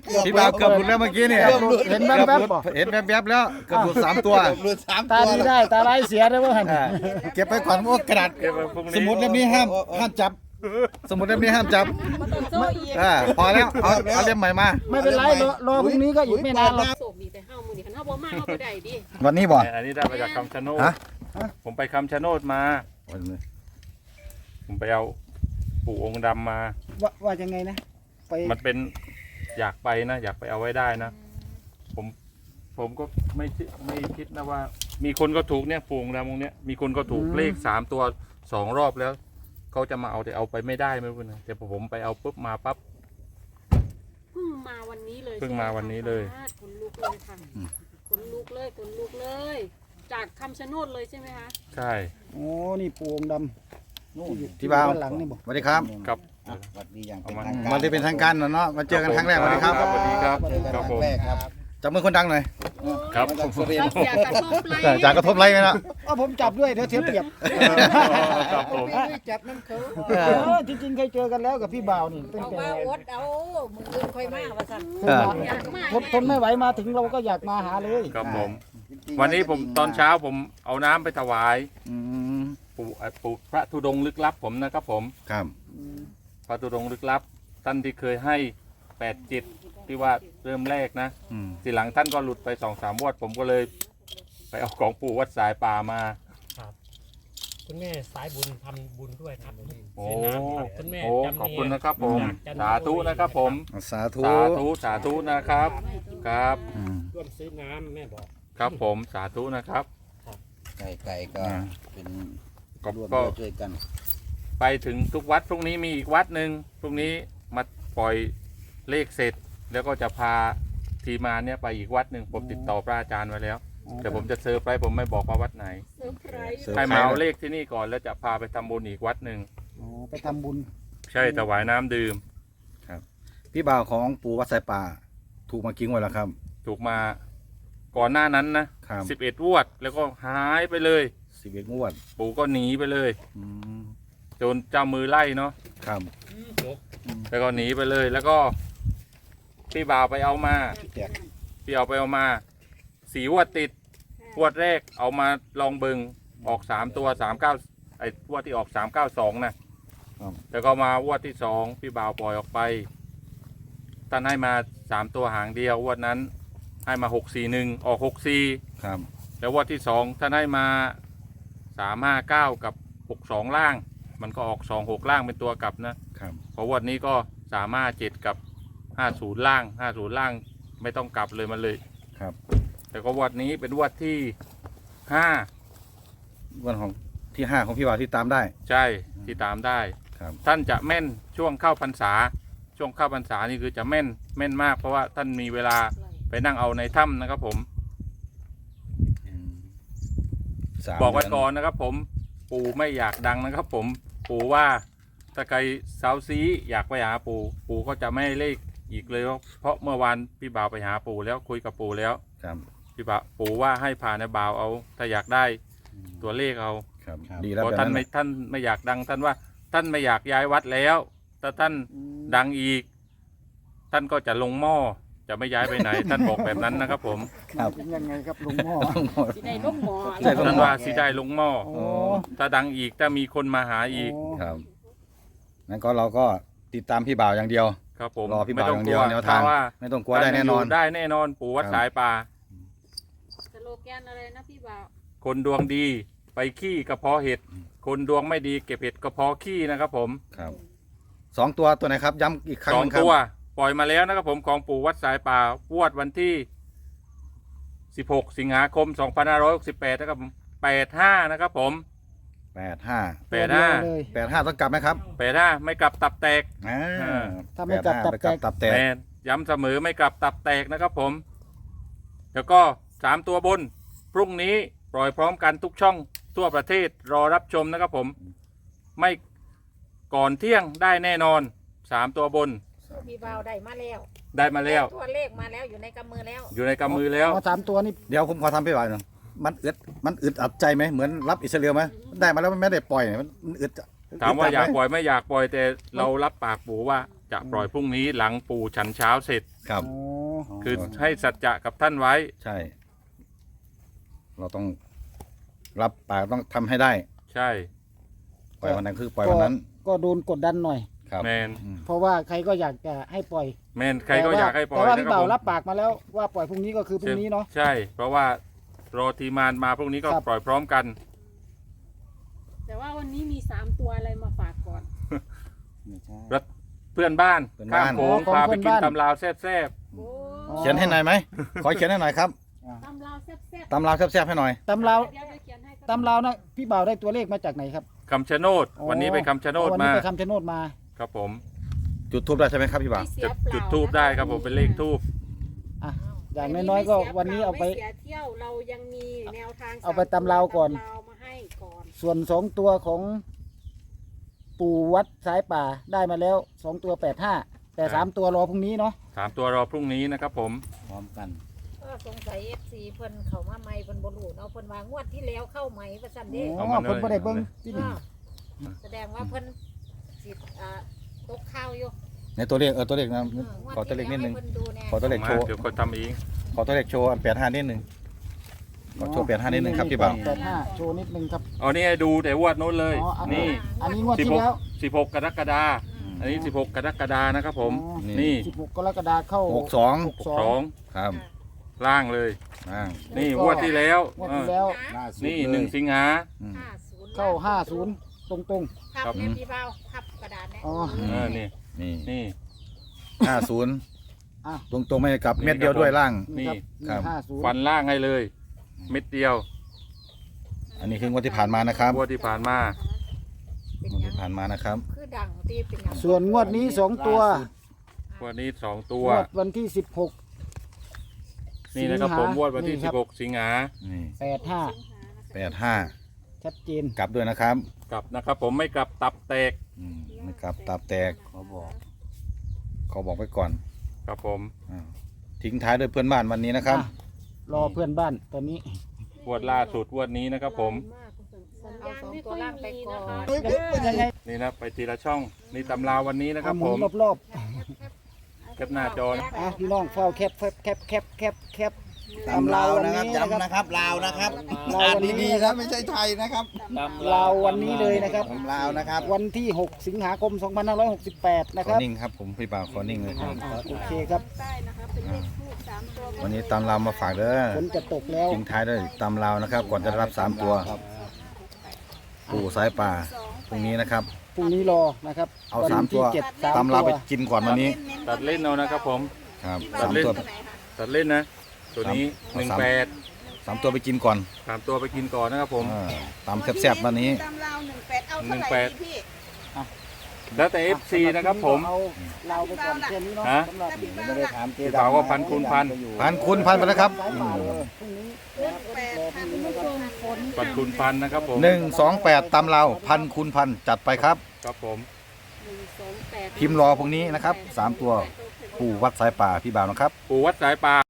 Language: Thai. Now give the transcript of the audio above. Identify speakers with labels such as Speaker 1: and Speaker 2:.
Speaker 1: พี่บ่าวเกือบหลุดแล้วเมื่อกี้เนี่ย
Speaker 2: เห็นแวบๆบ่
Speaker 1: เห็นแวบๆแล้วเกือบหลุด3 ตัว
Speaker 3: หลุด3
Speaker 2: ตา
Speaker 3: ตัว
Speaker 2: ดีได้ตาร้ายเสียได้บ่หั่น
Speaker 1: เก็บไปก่อนโอ้กระดาษ
Speaker 4: เก็บไว้พรุ่งนี้
Speaker 1: สมุดเล่มนี้ห้ามจับ สมุดเล่มนี้ห้ามจับ
Speaker 5: มันต้องโซ่อีก
Speaker 1: พอแล้วเอาเล่มใหม่มา
Speaker 2: ไม่เป็นไรรอพรุ่งนี้ก็อีกไม่นานหรอก
Speaker 5: โศกดีแต่เฮามื้อนี้คันเฮาบ่มาเฮาบ่ได้ดิ
Speaker 1: วันนี้บ่
Speaker 4: อันนี้ได้มาจากคำชะโนด
Speaker 1: ฮะ
Speaker 4: ผมไปคำชะโนดมา ผมไปเอาปู่องค์ดำมา
Speaker 2: ว่ายังไงนะไป
Speaker 4: มันเป็นอยากไปนะ อยากไปเอาไว้ได้นะ ผมก็ไม่คิดนะว่า มีคนก็ถูกเนี่ยปู่องค์ดำองค์เนี้ยมีคนก็ถูกเลข3 ตัว2 รอบแล้วเขาจะมาเอาแต่เอาไปไม่ได้ไม่รู้นะแต่พอผมไปเอาปุ๊บมาปั๊บ
Speaker 5: เพิ่งมาวันนี้เลย
Speaker 4: เพิ่งมาวันนี้เลย
Speaker 5: ขนลุกเลยค่ะขนลุกเลยขนลุกเลย จากคำชะโนดเลยใช่ไหมคะ
Speaker 4: ใช่
Speaker 2: โอ้นี่ปูองค์ดำนู่นอยู่
Speaker 1: พี่บ่าว
Speaker 2: ด้านหลังนี่บ่
Speaker 1: สวัสดีครับ
Speaker 4: ครับ
Speaker 3: สวัสดีอย่างเป็น
Speaker 4: เอามา
Speaker 3: ทางการ
Speaker 1: มาที่เป็นทางการเนาะมาเจอกันครั้งแรกสวัสดีครับ
Speaker 4: สวัสดีครับ
Speaker 3: เจอกัน
Speaker 4: ค
Speaker 3: ค
Speaker 4: รั
Speaker 3: รั้
Speaker 4: บ
Speaker 3: ง
Speaker 4: ผม
Speaker 3: แรกครับ
Speaker 1: จับมือคนดังหน่อย
Speaker 4: ครับ
Speaker 3: มาจากสุรินท
Speaker 5: เรา
Speaker 3: ร์
Speaker 5: เสียกระทบไล
Speaker 1: จากกระทบไรไหมเนาะ
Speaker 2: เอาผมจับด้วยเดี๋ยวเสียเปรียบ
Speaker 4: ครับผม
Speaker 3: จับน้ำเขา
Speaker 2: จริงๆเคยเจอกันแล้วกับพี่บ่าวนี่ตั้ง
Speaker 6: เอา
Speaker 2: แต่
Speaker 6: ว่าอดเอามึงอื่นค่อยมาว่าซั่น
Speaker 5: อยากมาก
Speaker 2: ทนไม่ไหวมาถึงเราก็อยากมาหาเลย
Speaker 4: ครับผม วันนี้ผมตอนเช้าผมเอาน้ำไปถวาย
Speaker 1: อืม
Speaker 4: ปู่พระธุดงค์ลึกลับผมนะครับผม
Speaker 1: ครับ
Speaker 4: พระธุดงค์ลึกลับท่านที่เคยให้8 จิตที่ว่าเริ่มแรกนะ
Speaker 1: อืม
Speaker 4: ทีหลังท่านก็หลุดไป2-3 วดผมก็เลย ไปเอาของปู่วัดสายป่ามา
Speaker 7: คุณแม่สายบุญทำบุญด้วยครับ
Speaker 4: โอ้
Speaker 7: ในน้ำครับคุณแม่
Speaker 4: โอ้
Speaker 7: จำเนียง
Speaker 4: ขอบคุณนะครับผม
Speaker 7: จาก
Speaker 4: สาธุนะครับผม
Speaker 1: สาธุ
Speaker 4: สาธุสาธุนะครับ ครับ
Speaker 1: อืม
Speaker 7: ร่วมซื้อน้ำแม่บอก
Speaker 4: ครับผมสาธุนะครับ
Speaker 3: ไก่ก็เป็น
Speaker 4: ก็
Speaker 3: ร่วม
Speaker 4: ก็
Speaker 3: ด้วยช่วยกัน
Speaker 4: ไปถึงทุกวัดพรุ่งนี้มีอีกวัดหนึ่งพรุ่งนี้มาปล่อยเลขเสร็จ แล้วก็จะพาทีมงานเนี่ยไปอีกวัดหนึ่งผมติดต่อพระอาจารย์ไว้แล้วแต่ผมจะเซอร์ไพรส์ผมไม่บอกว่าวัดไหน
Speaker 5: เซอร์ไพรส์
Speaker 4: ให้มาเอาเลขที่นี่ก่อนแล้วจะพาไปทำบุญอีกวัดหนึ่ง
Speaker 2: อ๋อไปทำบุญ
Speaker 4: ใช่ถวายน้ำดื่ม
Speaker 1: พี่บ่าวของปู่วัดสายป่า ถูกมากิ้งไว้แล้วครับ
Speaker 4: ถูกมาก่อนหน้านั้นนะครับ11 งวดแล้วก็หายไปเลย
Speaker 1: 11 งวด
Speaker 4: ปู่ก็หนีไปเลย
Speaker 1: อืม
Speaker 4: จนเจ้ามือไล่เนาะ
Speaker 1: ครับ
Speaker 4: แล้วก็หนีไปเลย แล้วก็พี่บ่าวไปเอามา
Speaker 1: แจก
Speaker 4: พี่เอาไปเอามา4 งวดติดงวดแรกเอามาลองเบิงออก3 ตัว39ไอ้งวดที่ออก392นะแล้วก็มางวดที่2พี่บ่าวปล่อยออกไปท่านให้มา3 ตัวหางเดียวงวดนั้นให้มา641ออก64
Speaker 1: ครับ
Speaker 4: แล้วงวดที่2ท่านให้มา359กับ62ล่าง มันก็ออก26ล่างเป็นตัวกลับนะครับ พองวดนี้ก็357กับ50ล่าง50ล่างไม่ต้องกลับเลยมันเลย
Speaker 1: ครับ
Speaker 4: แต่ก็งวดนี้เป็นงวดที่5
Speaker 1: วันของที่ 5 ของพี่บ่าวที่ตามได้
Speaker 4: ใช่ที่ตามได้
Speaker 1: ครับ
Speaker 4: ท่านจะแม่นช่วงเข้าพรรษา ช่วงเข้าพรรษานี่คือจะแม่นมากเพราะว่าท่านมีเวลาไปนั่งเอาในถ้ำนะครับผม
Speaker 1: 3
Speaker 4: บอกไว้
Speaker 1: เดื
Speaker 4: ก่อนนะครับผมปู่ไม่อยากดังนะครับผมปู่ว่าถ้าใครเซาซีอยากไปหาปู่ก็จะไม่ให้เลขอีกเลยเพราะเมื่อวานพี่บ่าวไปหาปู่แล้วคุยกับปู่แล้ว
Speaker 1: ครับ
Speaker 4: พี่บ่าวปู่ว่าให้ผ่านในบ่าวเอาถ้าอยากได้ตัวเลขเอา
Speaker 1: ครับ ดีแล้ว
Speaker 4: เพราะ
Speaker 1: แบบ
Speaker 4: ท่าน
Speaker 1: นั้น
Speaker 4: ไม่ท่านไม่อยากดังท่านว่าท่านไม่อยากย้ายวัดแล้วถ้าท่านดังอีก ท่านก็จะลงหม้อจะไม่ย้ายไปไหน ท่านบอกแบบนั้นนะครับผม
Speaker 1: ครับ
Speaker 2: เป็นยังไงครับลุงหม้อ
Speaker 5: สิได้ลูกหมอ
Speaker 1: ใช่ครับ
Speaker 4: ท่านว่าสิได้ลงหม้อ
Speaker 2: โอ้
Speaker 4: ถ้าดังอีกถ้ามีคนมาหาอีก
Speaker 1: ครับงั้นก็เราก็ติดตามพี่บ่าวอย่างเดียว
Speaker 4: ครับผม
Speaker 1: รอพี่บ่าว
Speaker 4: ไม่ต้
Speaker 1: อย่างเดียวแนวทาง
Speaker 4: เพระว่า
Speaker 1: ไม่ต้องกลัวได้แน่นอน
Speaker 4: ได้แน่นอนปู่วัด
Speaker 1: ครับ
Speaker 4: สายป่า
Speaker 5: สโลแกนอะไรนะพี่บ่าว
Speaker 4: คนดวงดีไปขี้กระเพาะเห็ด คนดวงไม่ดีเก็บเห็ดกระเพาะขี้นะครับผม
Speaker 1: ครับ2 ตัวตัวไหนครับ ย้ำอีกครั้ง
Speaker 4: ส
Speaker 1: ห
Speaker 4: อง
Speaker 1: นึ่งครับ
Speaker 4: ตัวปล่อยมาแล้วนะครับผมของปู่วัดสายป่าวดวันที่ 16 สิงหาคม 2568 นะครับผม85 นะครับผม
Speaker 1: 85
Speaker 2: ตัวเดียวเลย
Speaker 1: 85ต้องกลับไหมครับ
Speaker 4: 85ไม่กลับตับแตก
Speaker 2: ถ้าไม่กลับ
Speaker 1: 85ไปกลับตับแตก
Speaker 4: แมนย้ำเสมอไม่กลับตับแตกนะครับผม แล้วก็3 ตัวบน พรุ่งนี้ปล่อยพร้อมกันทุกช่องทั่วประเทศรอรับชมนะครับผม ไม่ก่อนเที่ยงได้แน่นอน 3 ตัวบน
Speaker 6: พี่บ่าวได้มาแล้ว
Speaker 4: ได้มาแล้ว
Speaker 6: ตัวเลขมาแล้วอยู่ในกำมือแล้ว
Speaker 4: อยู่ในกำมือแล้ว
Speaker 2: เอา3 ตัวนี่
Speaker 1: เดี๋ยวผมขอทำพี่บ่าวหน่อยมันอึดอัดใจไหมเหมือนรับอิสราเอลไหมได้มาแล้วมันไม่ได้ปล่อยมันอึด
Speaker 4: ถามว่าอยาก
Speaker 1: ด
Speaker 4: ปล่อยไม่อยากปล่อยแต่เรารับปากปู่ว่าจะปล่อยพรุ่งนี้หลังปู่ฉันเช้าเสร็จ
Speaker 1: ครับ
Speaker 2: อ๋อ
Speaker 4: คือให้สัจจะกับท่านไว้
Speaker 1: ใช่ เราต้องรับปากต้องทำให้ได้
Speaker 4: ใช่
Speaker 1: ปล่อยวันนั้นคือปล่อยวันนั้น
Speaker 2: ก็โดนกดดันหน่อย
Speaker 1: ครับ
Speaker 4: แมน
Speaker 1: อืม
Speaker 2: เพราะว่าใครก็อยากจะให้ปล่อย
Speaker 4: แมนใครก็อยากให้ปล่อย
Speaker 2: แต่ว่า
Speaker 4: นะ
Speaker 2: พี่
Speaker 4: ครับ
Speaker 2: บ่าว
Speaker 4: ผม
Speaker 2: รับปากมาแล้วว่าปล่อยพรุ่งนี้ก็คือพรุ่งนี้เนาะ
Speaker 4: ใช่ เพราะว่ารอทีมานมาพรุ่งนี้ก็
Speaker 2: ครับ
Speaker 4: ปล่อยพร้อมกัน
Speaker 5: แต่ว่าวันนี้มี3ตัวอะไรมาฝากก่อน
Speaker 3: ไม่ใช่
Speaker 4: เพื่อนบ้าน
Speaker 1: เพื่อน
Speaker 4: ข้า
Speaker 1: บ้าม น
Speaker 4: โขงพาไปกินตำลาวแซ่บ
Speaker 5: โอ้
Speaker 1: เขียนให้หน่อยไหม ขอเขียนให้หน่อยครับ
Speaker 5: ตำลาวแซ่บ
Speaker 1: ตำราวแซ่บๆให้หน่อย
Speaker 2: ตำราว
Speaker 5: เดี๋ยวจะเขียนให้ครับ
Speaker 2: ตำราวนะพี่บ่าวได้ตัวเลขมาจากไหนครับ
Speaker 4: ๆคำชะโนด วันนี้ไปคำชะโนด
Speaker 2: วัน
Speaker 4: มา
Speaker 2: นี้ไปคำชะโนดมา
Speaker 4: ครับผม
Speaker 1: จุดทูบได้ใช่ไหมครับพี่บ่าว
Speaker 5: ไม่เสีย
Speaker 4: จะ
Speaker 5: เปล่า
Speaker 4: จุดทูบได้ครับผมเป็นเลขทูบ
Speaker 2: อย่างน้อยๆก็วันนี้เอาไป
Speaker 5: ม่เสียเที่ยวเรายังมีแนวทาง
Speaker 2: เอาไปตำราวก่อน
Speaker 5: ตำราวมาให้ก่อน
Speaker 2: ส่วน2ตัวของปู่วัดสายป่าได้มาแล้ว2ตัว85แต่3ตัวรอพรุ่งนี้เนาะ
Speaker 4: 3 ตัวรอพรุ่งนี้นะครับผม
Speaker 3: พร้อมกัน
Speaker 6: ก็สงสัย FC เพิ่นเข้ามาใหม่เพิ่นบ่รู้เนาะเพิ่นว่างวดที่แล้วเข้าใหม่ว่าซั่นเด้
Speaker 2: อ๋อเพิ่นบ่ได้เบิ่งที่นี่
Speaker 6: แสดงว่าเพิ่นสิตกข้าวอยู่
Speaker 1: ในตัวเลขตัวเลขนะ
Speaker 6: ง
Speaker 1: ขอตัวเลขนิดนึง
Speaker 6: ให้เพิ่นดูแน่
Speaker 1: ขอตัวเลขโชว์
Speaker 4: เดี๋ยวคนทำเอง
Speaker 1: ขอตัวเลขโชว์อัน85นิดนึงขอโชว์85นิดนึงครับพี่บ่าว
Speaker 2: 85โชว์นิดนึงครับ
Speaker 4: เอานี่ให้ดูแต่วดโน้นเลย
Speaker 2: อ๋ออันนี้
Speaker 4: นี่
Speaker 2: อันนี้งวดที่แล้ว
Speaker 4: 16 กรกฎาคมอันนี้ 16 กรกฎาคมนะครับผม
Speaker 2: อ๋อ
Speaker 4: นี่
Speaker 2: 16กรกฎาคมเข้า
Speaker 1: 62
Speaker 4: 2
Speaker 1: ครับ
Speaker 4: ล่างเลย
Speaker 1: อ่า
Speaker 4: นี่งวดที่แล้ว
Speaker 2: งวดที่แล้ว
Speaker 3: ล่าสุด
Speaker 4: นี่
Speaker 3: เลย
Speaker 4: 1 สิงหา
Speaker 1: อืม
Speaker 6: 50
Speaker 2: เข้า50ตรง
Speaker 6: ครับ
Speaker 4: ครับ
Speaker 6: แม่พี่เบาครับกระดาษแน่
Speaker 2: ๆอ๋อ
Speaker 4: นี่
Speaker 1: นี่
Speaker 4: นี่
Speaker 1: 50
Speaker 2: อ่ะ
Speaker 1: ตรงๆไม่กลับเม็ดเดียวด้วยล่าง
Speaker 2: นี่ครับ
Speaker 1: ครับ
Speaker 2: 50
Speaker 4: ฟันล่างให้เลย เม็ดเดียว
Speaker 1: อันนี้คืองวดที่ผ่านมานะครับ
Speaker 4: งวดที่ผ่านมา
Speaker 6: เป็น
Speaker 1: งวด
Speaker 6: หยั
Speaker 1: ที่
Speaker 6: ง
Speaker 1: ผ่านมานะครับ
Speaker 6: คือดังตีเป็นหยัง
Speaker 2: ส่วนงวดนี้2ตัว
Speaker 4: งวดนี้ 2 ตัว
Speaker 2: งวดวันที่16
Speaker 4: นี่นะครับผมงวดวันที่
Speaker 2: ครับ
Speaker 4: 16 สิงหา
Speaker 1: นี่
Speaker 2: 85
Speaker 1: 85
Speaker 2: ชัดเจน
Speaker 1: กลับด้วยนะครับ
Speaker 4: กลับนะครับผมไม่กลับตับแตก
Speaker 1: ไม่กลับตับแตก
Speaker 3: เขาบอก
Speaker 1: ขอบอกไว้ก่อน
Speaker 4: ครับผม
Speaker 1: อ่าทิ้งท้ายด้วยเพื่อนบ้านวันนี้นะครับ
Speaker 2: อ่ะรอเพื่อนบ้านตอนนี้
Speaker 4: งวดล่าสุดงวดนี้นะครับผม
Speaker 5: สัญ
Speaker 6: เอา
Speaker 5: ญาณ
Speaker 6: สอง
Speaker 5: ไม่
Speaker 6: ตั
Speaker 5: ค่
Speaker 6: ว
Speaker 5: อย
Speaker 6: ล่างไป
Speaker 5: มี
Speaker 6: ก่อ
Speaker 5: นะคะ
Speaker 6: น
Speaker 2: ยังไง
Speaker 4: นี่นะไปทีละช่อง นี่ตำราวันนี้นะครับ
Speaker 2: ห
Speaker 4: ผ
Speaker 2: มุน
Speaker 4: ม
Speaker 2: รอบ
Speaker 4: แคปหน้าจอนะ
Speaker 2: ๆอ่ะพี่น้องเฝ้าแคป
Speaker 3: ตำลาวนะครับย้ำนะครับลาวนะครับ
Speaker 2: ลาว
Speaker 3: อ่าน
Speaker 2: วันนี้
Speaker 3: ดีๆนะไม่ใช่ไทยนะครับ
Speaker 2: ลาววันนี้เลยนะครับ
Speaker 3: ตำลาวนะครับ
Speaker 2: วันที่ 6 สิงหาคม 2568 นะ
Speaker 1: ข
Speaker 2: ค
Speaker 1: อ
Speaker 2: รับ
Speaker 1: นิ่งครับผมพี่บ่าวขอนิ่งเลยครับ
Speaker 2: โอเคครับ
Speaker 5: ใต้นะคะเป็นเลขทูบ3ตัว
Speaker 1: วันนี้ตามลาวมาฝากเด้อ
Speaker 2: ฝนจะตกแล้ว
Speaker 1: ทิ้งท้ายด้วยตามลาวนะครับ ก่อนจะรับ3ตัว ปู่สายป่าพรุ่งนี้นะครับ
Speaker 2: พรุ่งนี้รอนะครับ
Speaker 1: เอา
Speaker 2: วัน
Speaker 1: 3 ตัว
Speaker 2: ที่7
Speaker 1: ตามลาวไป
Speaker 2: ตัว
Speaker 1: กินก่อนวันนี้
Speaker 4: ตัดเล่นเอานะครับผม
Speaker 1: ครับ
Speaker 4: ตัดเล่น
Speaker 1: 3ตัว
Speaker 4: ตัดเล่นนะ ตัวนี้
Speaker 1: 3ตัวไปกินก่อน
Speaker 4: 18 3ตัวไปกินก่อนนะครับผม
Speaker 1: ตามแซ่บๆวันนี้
Speaker 8: ตำราว18เอาเท่าไหร่ดีพี่
Speaker 4: แล้วแต่ FC นะครับผม
Speaker 2: เอาเราไปก่อนแค่นี้เนาะ
Speaker 4: ฮะ
Speaker 2: สำหรับ
Speaker 3: ไม่ได้ถามเจ๊
Speaker 4: พี่บ่าวก็พันคูณพัน
Speaker 1: พันคุณพันไปแล้วครับ
Speaker 2: สายป่าเลยพรุ่งนี้รอพรุ่งนี้นะครับ
Speaker 4: ปันคูณพันนะครับผม
Speaker 1: 128ตามลาวพันคุณพันจัดไปครับ
Speaker 4: ครับผม
Speaker 5: 128
Speaker 1: พิมพ์รอพรุ่งนี้นะครับ3ตัวปู่วัดสายป่าพี่บ่าวนะครับ
Speaker 4: ปู่วัดสายป่า